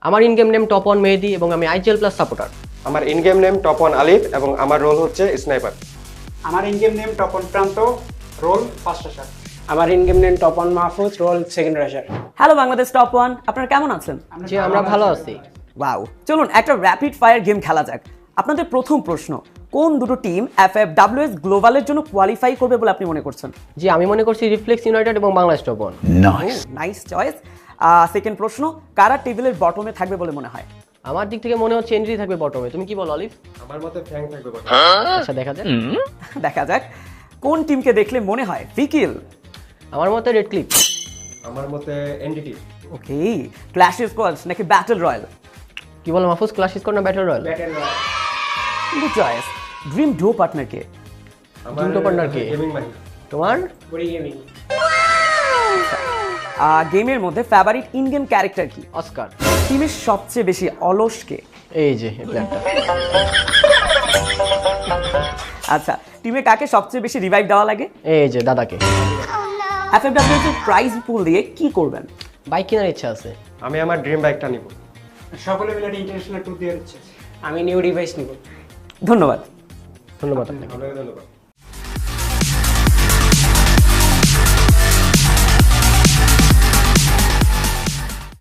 আমার in game name top 1 Mehedi এবং আমি আইজিএল প্লাস সাপোর্টার। আমার in game name top 1 Alif এবং আমার রোল হচ্ছে স্নাইপার। আমার in game name top 1 Pranto, role first rusher. আমার in game name top 1 Mahfuz, role second rusher. Hello Bangladesh top 1, আপনারা কেমন আছেন? জি আমরা ভালো আছি। ওয়াও, চলুন একটা র্যাপিড ফায়ার গেম খেলা যাক। আপনাদের প্রথম প্রশ্ন, কোন দুটো টিম FFWS গ্লোবালের জন্য কোয়ালিফাই করবে বলে আপনি মনে করছেন? জি আমি মনে করছি রিফ্লেক্স ইউনাইটেড এবং Bangladesh top 1। Nice choice. Second প্রশ্ন, কারা টেবিলের বটমে থাকবে বলে মনে হয়? আমার দিক থেকে মনে হচ্ছে এনরি থাকবে বটমে, তুমি কি বলো অলিভ? আমার মতে ফ্র্যাঙ্ক থাকবে বটে। আচ্ছা দেখা যাক। দেখা যাক। কোন টিমকে দেখলে মনে হয় ফিকিল? আমার মতে রেড ক্লিপ। আমার মতে এনডিটি। ওকে, ক্ল্যাশ স্কোয়াডস নাকি ব্যাটল রয়্যাল? কি বলো মাহফুজ, ক্লাস স্কোর না battle royale? Good choice. Dream duo partner কে? আমার দুটো partner কে? গেমিং মাহি। তোমার? বড়ি গেমিং। গেমের মধ্যে ফেভারিট ইন গেম ক্যারেক্টার কি? অস্কার। টিমের সবচেয়ে বেশি অলস কে? এই যে এই প্ল্যানটা। আচ্ছা, টিমে কাকে সবচেয়ে বেশি রিভাইভ দেওয়া লাগে? এই যে দাদাকে। FFWS এর প্রাইজ পুল দিয়ে কি করবেন? বাইক কেনার ইচ্ছা আছে। আমি আমার ড্রিম বাইকটা নিব। সকলে মিলে ইন্টারন্যাশনাল ট্যুর দিয়ে হচ্ছে। আমি নিউ ডিভাইস নিব। ধন্যবাদ। ধন্যবাদ আপনাকে। আপনাকে ধন্যবাদ।